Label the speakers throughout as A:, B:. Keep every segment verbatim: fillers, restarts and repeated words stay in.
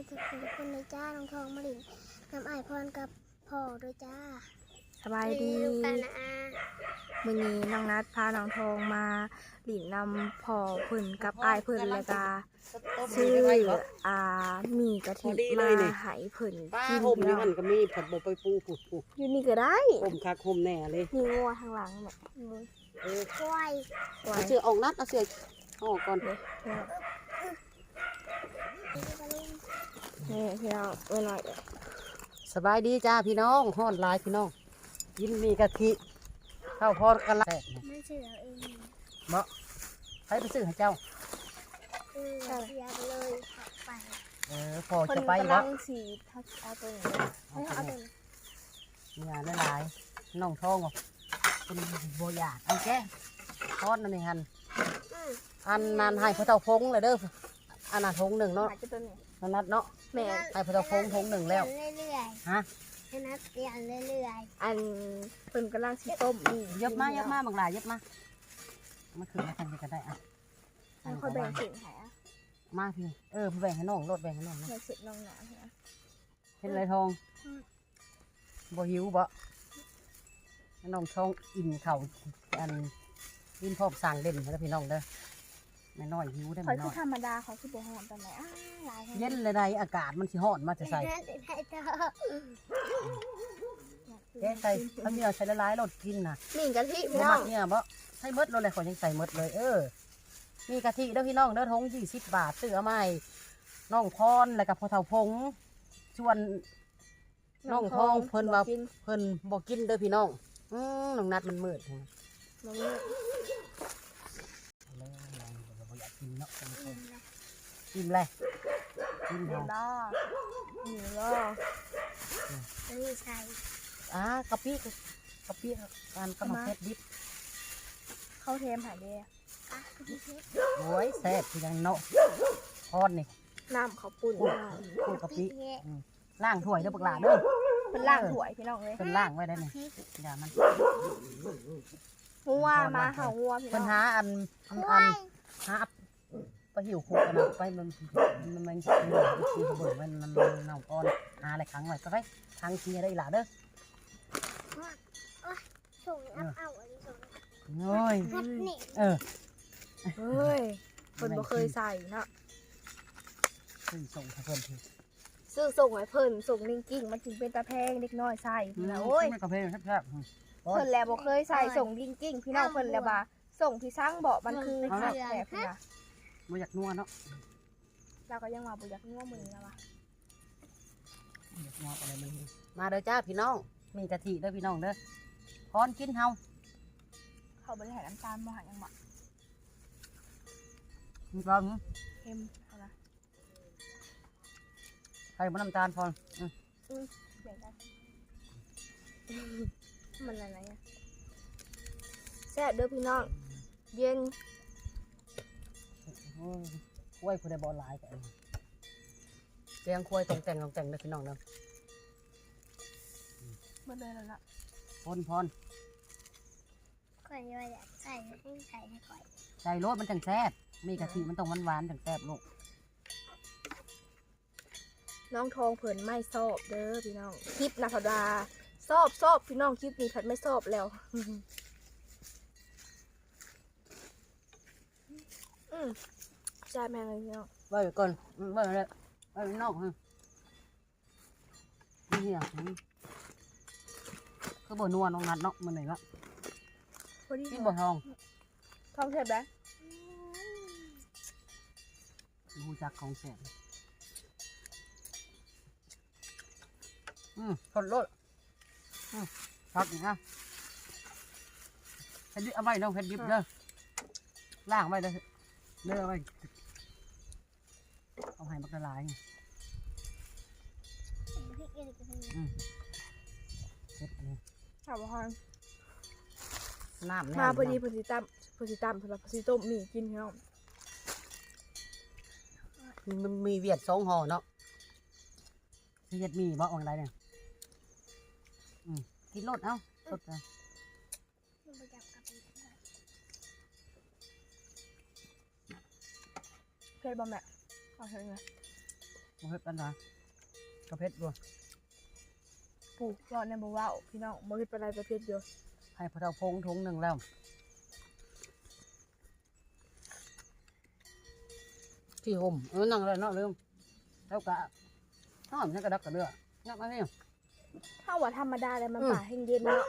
A: สุขทุกคนเลยจ้าน้องทองมะลินน้ำไอพรกับพ่อด้วยจ้า
B: สบายดีมื้อนี้น้องนัดพาน้องทองมาหลินนำพ่อเพิ่นกับอ้ายเพิ่นแล้วก็ซื้ออ่าหมี่กะทิมาให้เพิ่น
C: ป้า
B: กิน
C: ห่มนี่มันก็มีผัดบไปปูผูผู
B: อยู่นี่ก็ได้
C: ห่มคักห่มแน่เลย
B: มีงัวทางหลังแม่
C: เออ
A: ควาย
B: ไว้
C: เอาเสือออกนัดเอาเสือออกก่อน
B: นี่นี่พี่น้องเอ้ยหน่อย
C: สบายดีจ้าพี่น้องฮ้อนหลายพี่น้องกินมีกะทิข้าวพอดกันละ
A: ไม่เชื่อเอง
C: เนาะใครไปซื้อให้เจ้า
A: เออเสียไปเลยขับไป
C: เออพอ
B: เพิ่น
C: จะไป
B: กำลั
C: เนาะ
B: งสิทักเอาตัวนี้ให้เอาตัวนี้
C: เนี่ยหลายๆน้องทองบอกเป็นโบอยากเอาแกทอดนั่นเองฮันอันนั้นให้พระเจ้าพงเลยเด้ออันนั้นพงหนึ่งเนาะ
B: หาจะตัวนี้
C: นันนัดเนาะ
B: แม่
C: ให้พระเจ้าพงพงหนึ่งแล้ว
A: เรื่อย
C: ฮะ
A: ๆให้นัดเปลี่ยนเรื่อย
B: อันเพิ่นกำลังสิต้มนี่
C: เยอะมากเยอะมากบางหลายเยอะมากมาคืนมาทำกันได้อ่ะ
B: ให้ค่อยแบ่งสินให้อ่ะ
C: มาพี่เออแบ่งให้น้องรถแบ่งให้น้องนะ
B: แบ่งสินน้องหนาให้อ่ะ
C: เป็นไรทองบ่หิวบ่ให้น้องทองอิ่มเข่าอันกินพร้อมสั่งเด่นแล้วพี่น้องเด้อแม่น้อยหิวได้
B: ข่อ
C: แม่
B: ย
C: น้
B: คือ
C: อย
B: ธรรมดาข่อยคือบ่ฮ้อนปานใดอ้าหลายแฮง
C: เย็นเลยใดอากาศมันสิฮ้อนมา
A: ๆ
C: จะใส่
A: ให้นัดให้เจ้า
C: แกใส่เขามีเอาใส่ละลายรถกินน่ะ
B: นี่กะทิพี่
C: บ่
B: น้อ
C: มั
B: ง
C: กเนี่ยบ่ใส่เมดรถเลยขอยยังใส่เมดเลย เออ มีกะทิเด้อพี่น้องเด้อทงยี่สิบบาทซื้อเอามาให้น้องพรแล้วก็พ่อเฒ่าพงชวน น้องทองเพิ่นว่า
B: กิน
C: เพิ่นบอกกินเด้อพี่น้องอืมน้องนัดมันมืดเลย
B: น้องนี่
C: บ่อยากกินเนาะกินเลยกิน
B: เดี๋ยว
C: เนาะ
B: รอนี่รอ
A: นี่ใส่
C: อ่ากะปิกะปิการกำลังเผ็ดดิบ
B: เข้าเทมหายเด้
A: อ่ะพี่เพชร
C: โอ้ยแซ่บคือยังเนาะทอดนี่
B: น้ำเขาวปุ่น
C: พูด
B: มา
C: พูดกะปิ
A: พี่เพชร
C: อืมล้างถ้วยเด้อบักหลาเด้อ
B: เป็นล่างถวยพี่น้องเลย
C: เพิ่นล้างไว้ได้นี่อย่ามัน
B: งัวมาเห่างัวพี่
C: เพิ่น
B: น้อง
C: หาอันอันอันหาไปหิวโคกันนะไปมันมันมันมันมันเบิดมันมันเน่าก้อนหาอะไรขังไว้ก็ไปขังเชียได้หล่ะเด้อ
A: ส่งอัพเอาอันนี้ส่ง
C: โอ้ย
A: นัดนี่
C: เออ
B: เฮ้ยเพิ่นบ่เคยใส่เนาะ
C: ซึ่งส่งให้เพิ่นที
B: ซื้อส่งให้เพิ่นส่งลิงกิ้งมันถึงเป็นตาแพงเด็กน้อยใส่พี่น้องโอ้ย
C: ไม่กระเพาะแซ่บๆอืม
B: เพิ่นแล้วบ่เคยใส่ส่งลิงกิ้งพี่น้องเพิ่นแล้วว่าส่งที่สร้างเบาะมันคือขับแผลพี่นะ
C: บ่อยากนัวเนาะ
B: เราก็ยังว่าบ่อยากนัวมือแล้วว่ะ
C: บ่อยากนัวอะไรมันมาเด้อจ้าพี่น้องมีกะทิเด้อพี่น้องเด้อพรกินเฮา
B: เขาบ่ได้ให้น้ำตาลบ่ให้ยังบ่
C: มีปลาหมึ
B: เค็มเอาล่ะ
C: ใส่บ่น้ำตาลพรอืม
B: แบ่งกันมันอะไรอ่ะแซ่บเด้อพี่น้องเย็น
C: โอ้ยกล้วยผู้ใดบ่หลายกันเตียงกล้วยตรงแต่งตรงแต่งเด้อพี่น้องเด้อ
B: เบิดเลยแล้วล่ะ
C: พรพร
A: ข่อยว่าอยากใส่ให้ใส่ให้ข่อย
C: ใส่รสมันจังแซ่บมีกะทิมันต้องหวานๆจังแซ่บลูก
B: น้องทองเพิ่นไม่ชอบเด้อพี่น้องคลิปนะพดาชอบชอบพี่น้องคลิปนี้ผัดไม่ชอบแล้วอืมใช่แม่เลยพี่น้อง
C: ไว้ก่อนไว้เลยไว้นอกฮะนี่อ่ะคือบ่นัวน้องนัดเนาะมันไหนวะ
B: พอดี
C: กินบ่ทอง
B: ทองเทปแล้ว
C: รู้จักของแซ่บอืมทนรสอืมพักอีกนะเผ็ดดิบเอาไว้น้องเผ็ดดิบเด้อล่างไว้เด้อเด้อเอาไว้เอาให้มันละลาย
A: พริกอะไรกันนี่
C: อืมเผ็ดอันนี้
B: ถามว่าฮอน
C: น้ำแน่
B: มาพอดีพอดีตั้มพอดีตั้มสำหรับพอดีต้มหมี่กินพี่น้อง
C: มันมีเวียดสองห่อเนาะเวียดมีบ่อะไรเนี่ยอืมกินรสเอ้าสดเลย
A: มันไปจับกับอีกได้
B: เผ็ดบ่แม่เอาเถอะไง
C: บ่เผ็ดปานใดกระเพชรบ่
B: ปลูกยอดในบ่เว้าพี่น้องบ่เฮ็ดปานใดประเภทเดียว
C: ให้พระเจ้าพงถุงหนึ่งแล้วที่ห่มเออนั่งเลยเนาะลืมแล้วก็หอมนี่กระดักกระเดืองับมานี่
B: ถ้าว่าธรรมดาแล้วมัน
C: อืม
B: ป่าแห้งเย็นเนาะ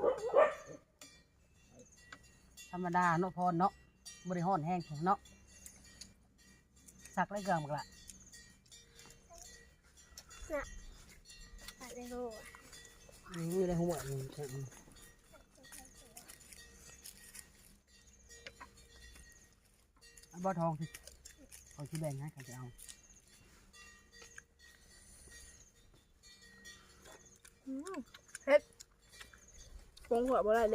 C: ธรรมดาเนาะพรเนาะบริห้อนแห้งเนาะสักไรเกลือหมดละ
A: อะไรโห
C: นี่อะไรหัวนี่ใช่ไหมเอาบ่อทองสิเอาที่แบ่งให้ใครจะเอา
B: อืมเฮ็ดปรุงหัวบ่ได้เลย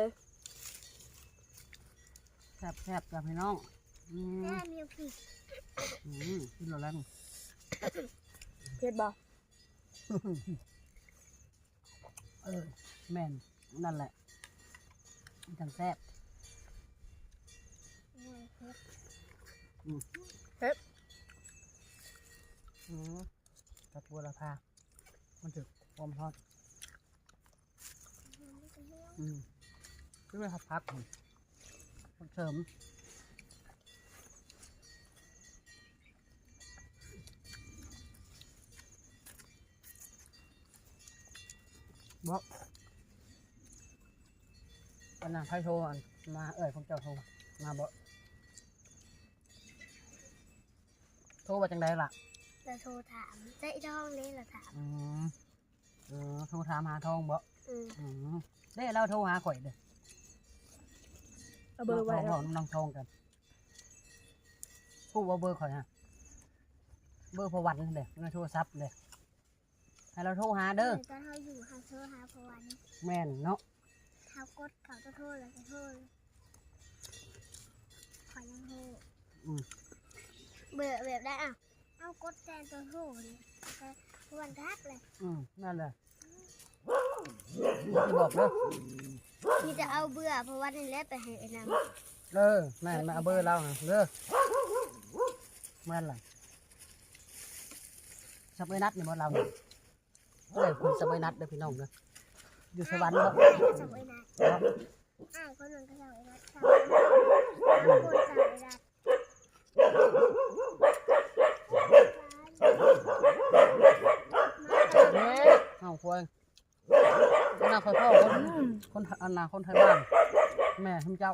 C: แซ่บแซ่บกับพี่น้องอืม
A: แม่มีผิด
C: อืมกินแล้ว
B: เฮ็ดบ่
C: เออแม่นนั่นแหละมันจังแซ่บอืมกระปัวราคามันถึกความทอดอืมคือไม่พักพักมันเสริมบอกวันนั้นไพ่โทรมาเอ่ยผมเจ้าโทรมาบอกโทรมาจังไดล่ะ
A: เราโทรถามใจท้องนี่เราถาม
C: อืมเออโทรถามหาทองบอก
A: อืม
C: อืมได้เราโทรหาข่อยเด้อ
B: เอาเบอร์ไว้
C: น้
B: แล้
C: อ
B: ว
C: งน้องทองกันพูดว่าเบอร์ข่อยฮะเบอร์พวันเด้อในโทรศัพท์เด้อให้เราโทรหาเด้อ
A: ตอนเขาอยู่เขาโทรหาพวัน
C: แม่นเนาะ
A: เขากดเขาจะโทษเราจะโทษขอยังโทษ
C: อืม
A: เบื่อแบบได้อ่ะเอากดแทนตัวโทษเลยแต่วันทักเลย
C: อืมนั่นแหละที่บอกเด้อ
A: มีจะเอาเบื่อเพราะว่านี่แหละไปให้ไอ้น้
C: เออแม่นมาเอาเบอร์เราเด้อแม่นล่ะสบายนัดนี่บ่เราเนี่ยเอ้ยคุณสบายนัดเด้อพี่น้องเด้ออยู่
A: ำ
C: สวรรค์บ่
A: จับไอ้นัด
C: เนาะ
A: อ้าวคนหนึ่งก็จับไอ้นัดจับคนจับไอ้นัด
C: เอ๊ะเอาควายอันนาคอยพ่อคนคนอันนาคนไทยบ้านแม่ทำเจ้า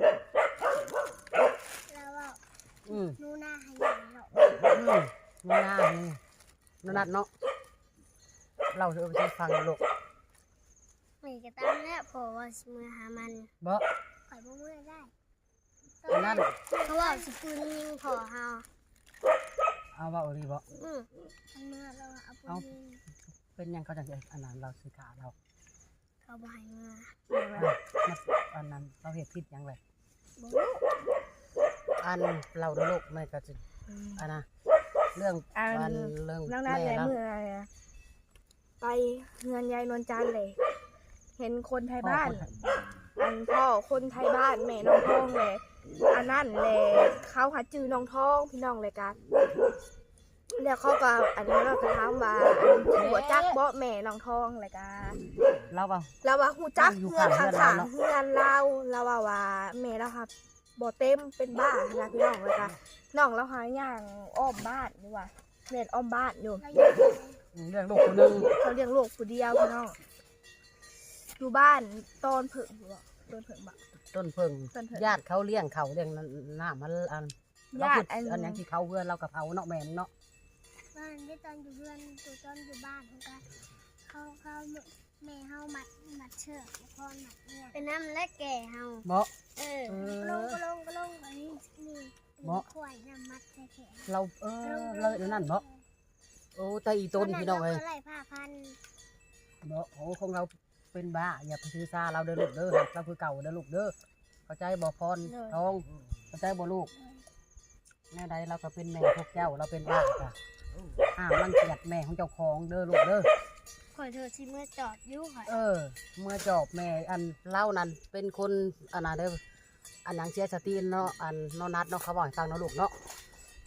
A: แล้วว่า
C: อืม
A: นูน่าให้ยังหรอก
C: อืมนี่นานี่นนัดเนาะเราจะเอาไปฟังลูก
A: ไม่กระตั้งแล้วเพราะว่ามือหามัน
C: บ่
A: ข่อยบ่มือได้
C: อันนั้น
A: เขาว่าสกุลยิงพอเฮา
C: เอาว่าเอาดีบ่
A: อืมทำเมื่อเราเอาปืนยิง
C: เป็นหยังเขาจังจะอันนั้นเราซื้อขาเรา
A: เขาบ่ให้เมื่อ
C: อ่ะมาอันนั้นเราเหตุผิดหยังไง
A: บ่รู้
C: อันเราเด้อลูกแม่ก็จะอันนะเรื่อง
B: อัน
C: อันเรื่อง
B: นั่งนั่น
C: แม่
B: แหละ
C: เรา
B: เมื่อไปเงินยายนวลจันทร์เลย เห็นคนไทยบ้าน อันพ่อคนไทยบ้านแม่น้องทองเลยอันนั่นเลยเขาหาจื้อน้องทองพี่น้องเลยกันแล้วเขาก็อันนี้เราก็ถามว่าอันหัวจักเบาะแม่น้องทองเลยกัน
C: เราว่า
B: เราว่าหูจัก
C: อยู่
B: เงื่อน
C: ข้า
B: ข้าง ง
C: เรือนเราเนอะ
B: ๆเงื่อนเราเราว่าว่าแม่เราครับบ่เต็มเป็นบ้านะพี่น้องเลยกันน้องเราหาอย่างอ้อมบ้านนี่ว่าเน็ตอ้อมบ้านอยู่
A: เราอยู่ที่ไหน
C: เรื่องลูกคนหนึง
B: เขาเลี้ยงลูกผู้เดียวพี่น้องอยู่บ้านตอนผึ่งอยู่บ่ตอนผึ่งบ่
C: ต้นเพิ่ง
B: ต้นเพิ่ง
C: ญาติเขาเลี้ยงเขาเลี้ยงหน้ามันอัน
B: ญาติ
C: เร
B: อัน
C: คิดอันหยังที่เขาเพื่อนเรากับเขาเนาะแม่นเนาะ
A: ตอนได้ตอนอยู่เพื่อนตัวตอนอยู่บ้านเขาก็เขาเขาแม่เฮามัดมัดเชือกแล้วพ่อมัดเนี่ยเป็นน้ำและแก่เฮา
C: บ่
A: เออ
C: เออ
A: ก็ลงก็ลงก็ลงอันนี้นี่
C: บ่
A: ขวายน้ำมัดใส่แขน
C: เราเออเลยเดี๋ยวนั่นบ่โอ้แต่อีต้นพี่น้องเอ้ย
A: ไล่ผ้าพัน
C: บ่โอ้ของเราเป็นบ้าอย่าไปถือซาเราเด้อลูกเด้อเราคือเก่าเด้อลูกเด้อเข้าใจบ่พรทองเข้าใจบ่ลูกแม่ใดเราก็เป็นแม่พวกเจ้าเราเป็นบ้าจ้ะห้ามรังเกียจแม่ของเจ้าของเด้อลูกเด้อ
A: ขอโทษที่เมื่อจอดอยุ่ค่ะ
C: เออ เมื่อจอบแม่อันเล่านั้นเป็นคนอันนั้นเด้ออันหยังเสียสติเนาะอันเนอนัดเนาะเขาบอกให้ฟังเนาะลูกเนาะอ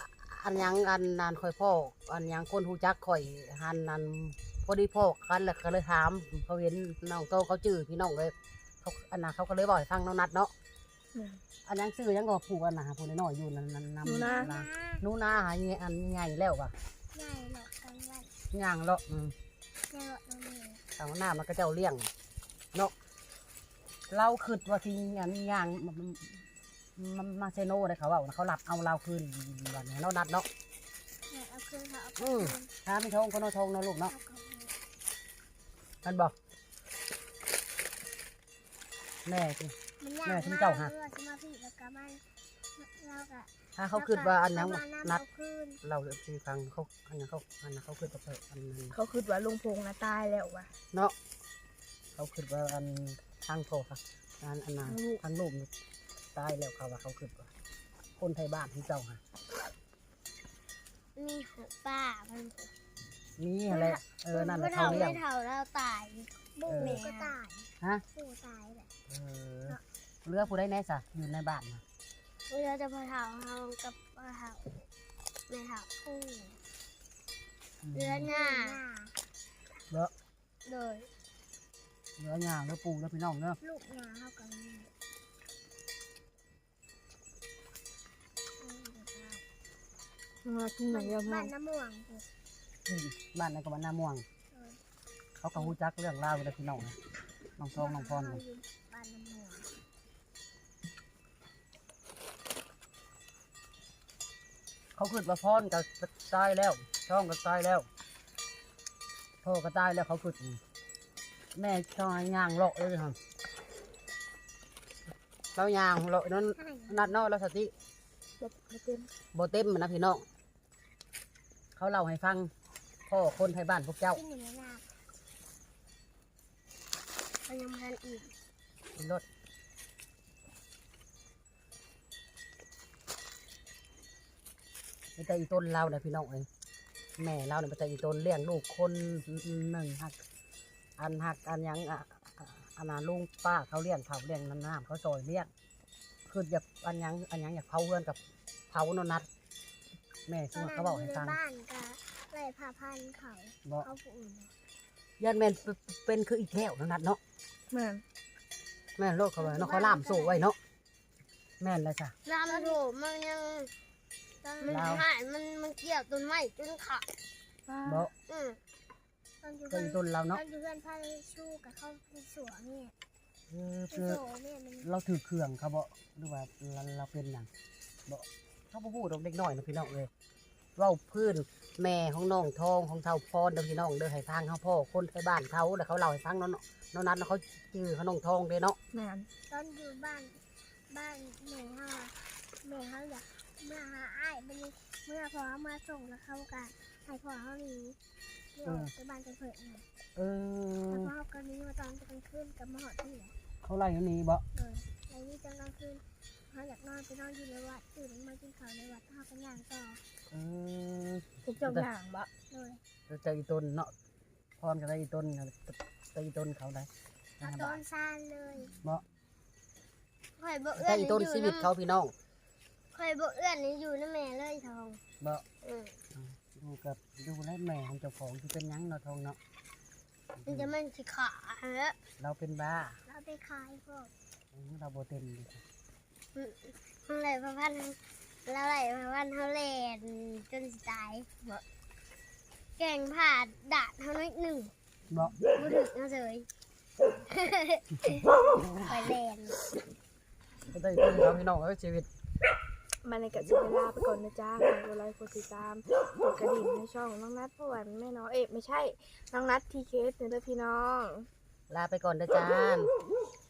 C: อันยังอันนานค่อยพ่ออันยังคนฮู้จักข่อยหันนั้นพอดีพ่อกันแล้วก็เลยถามเขาเห็นน้องโตเขาจื้อพี่น้องเลยเขาอันน่ะเขาก็เลยบอกให้ฟังน้องนัดเนาะอันยังซื้อยังก็ปลูกอันน่ะผู้น้อยๆอยู่นั่นนั่นนำ
A: นะ
C: หนูนาหาเงี้ยอันใหญ่แล้วว่ะ
A: ใหญ่หรอกกันวัน
C: ย่างเลาะอืม
A: ใหญ่หรอกนั่นเอง
C: ทางหน้ามันก็เจ้าเลี้ยงเนาะเราคิดว่าที่อันย่างมันมันมาเซโน่เลยเขาว่าเขาหลับเอาเราคืนวันนี้เรานัดเนาะ
A: เนี่ยเอาคืนเขาเอา
C: อื
A: คื
C: ม
A: น
C: ถ้าไม่ทงก็นอทงเนาะลูกเนาะ
A: เอาคืน
C: กันบอกแม่สิ
A: มันยาก
C: แม่
A: มาก
C: ถึงเจ้าฮะ
A: เพื่อที่มาพี่แล้วก็มันเราก็
C: ถ้าเขาคิดว่าอันนั้น
A: เขมา
C: นัด
A: เอาคืน
C: เราสิฟังเขาอันนั้นเขาอันนั้นเขาคิดว่าเปิดอันนั้น
B: เขาคิดว่าลุงพงษ์นะตายแล้วว่ะ
C: เนาะเขาคิดว่าอันทางโทรค่ะอันอันนั้นทางลูกนี่ตายแล้วเขาว่าเขาคิดว่าคนไทยบ้านที่เจ้าค่ะ
A: มีหัวป้ามัน
C: นี่อะไรเออนั่นแหละเขา
A: ไม่
C: เลี้ยง
A: เท่าเราตายบุ้งก็ตาย
C: ฮะ
A: ปู่ตายแหละ
C: เออเรือผู้ใดแน่สะอยู่ในบ้านนะ
A: เราจะพอเท่าเฮากับพอเท่าแม่เท่าปู่ เรือหน้า
C: เรือ
A: โดย
C: เรือหยางเรือปูเรือพี่น้องเนาะ
A: ลูกหน้าเฮากับแม่
B: มากินหน่อยเดียวพอ
A: บ้านน้ำม่วง
C: อืมบ้านในกบ้านนาม่วง เขาก็ฮู้จักเรื่องราวเรือพี่น้องนะน้องทองน้องพรนะ
A: บ้านน้ำม่วง
C: เขาคิดว่าพรก็ตายแล้วช่องก็ตายแล้วพ่อก็ตายแล้วเขาคิดอืมแม่ช่องย่างเลาะเลยครับเราย่างเลาะนั้น
A: ใช่
C: นัดเนาะแล้วสติ
B: แบบไม่เต็ม
C: โบเต็มนะพี่น้องเขาเล่าให้ฟังพ่อคนไทยบ้านพวกเจ้า
A: ที่หนึ่งในนามันยังพันอีก
C: รถไม่แต่อีต้นเราเนี่ยพี่น้องเอ้ยแม่เราเนี่ยไม่แต่อีต้นเลี้ยงลูกคนหนึ่งหักอันหักอันหยังอ่ะอ่ะอันนั้นลุงป้าเขาเลี้ยงเขาเลี้ยงน้ำน้ำเขาซอยเลี้ยงคืออยากอันหยังอันหยังอยากเผาเพื่อนกับเผาโนนัดแม่ซึ่งเขาบอกให้ฟัง
A: ตอนนั้นอยู่ในบ้านกับไล่ผ่าพันธุ์เขา
C: บอก
A: เขาผู้อื่น
C: ยันแม่นเป็นคืออีแก้วโนนัดเนาะ
B: แม่น
C: แม่นโลดเขาไว้เนาะเขาล่ามโซ่ไว้เนาะแม่นเลยจ้ะ
A: ลำโถมันยังมัน
C: ลาว
A: หายมันมันเกี่ยวต้นไม้จนขาด
C: บอก
A: อืมตอนอยู่
C: ก็
A: เพื่อน
C: อีต้นเรา
A: ตอ
C: เนาะ
A: นอยู่เพื่อนพาไปชูกับเขาไปสวนเนี่ย
C: เออ
A: ไป
C: คือ
A: โสเนี่ยมัน
C: เราถือเครื่องเขาบอกหรือว่าเราเราเป็นอย่างบอกเขาพูดเราเด็กน้อยนะพี่น้องเลยเว่าพื้นแม่ของน้องทองของเท่าพรเด้อพี่น้องเด้อให้ฟังเขาพ่อคนไปบ้านเขาแล้วเขาเล่าให้ฟังเนาะน้องนัดเขาชื่อเขาน้องทองเด้เนาะ
B: แม่น
A: ตอนอยู่บ้านบ้านแม่เขาอะแม่เขาอยากเมื่อหาอ้ายมันเมื่อพอเขามาส่งแล้วเขาก็ให้พ่อเขาหนีเที่ยวไปบ้านไปเผื่อหน่อย
C: เออ
A: แล้วพ่อเขาก็หนี้มาตอนกลางคืนกับมาหอดที่ไหน
C: เขาไล่อยู่นี่บอก
A: เลยในนี้จังกลางคืนเขาอยากนอนไปนอนอยู่ในวัดตื่นมากินข้าวในวัดเขาก็ย่างต่อ
C: เออ
B: พวกเจ้าอย่างบะ
A: เลย
C: จะใจอีต้นเนาะพรกับใจอีต้นใจอีต้นเขาได้
A: เอาต้นซานเลย
C: บอก
A: ข่อยบ่
C: ใจ
A: เอื้อน
C: อี
A: นี่
C: ต้น
A: อยู่
C: ชีวิตเขาพี่น้อง
A: ข่อยบ่เอื้อนนี่อยู่นะแม่เลยทอง
C: บอก
A: เออ
C: ดูกับดูแลแม่ของเจ้าของที่เป็นหยังเนาะทองเนาะ
A: มันจะมันสิขาฮะ
C: เราเป็นบ้า
A: เราไปขายพวก
C: เราโบเต็มเลย
A: มันเลยพระพันธุ์แล้วไหลพระพันธุ์เขาแลนจนสิตายบ่แกงผ่าดาดเขาน้อยหนึ่ง
C: บอก
A: บ่ถึกนะเสยไปแลน
C: ก็ได้ต้นเขาพี่น้องเอ้ยชีวิต
B: มันในกะสิเวลาไปก่อนนะจ้าขอตัวไลค์กดติดตามกดกระดิ่งให้ช่องน้องนัดเพราะว่าแม่น้องเอ๊ะไม่ใช่น้องนัดทีเคสเด้อพี่น้อง
C: ลาไปก่อนนะจาน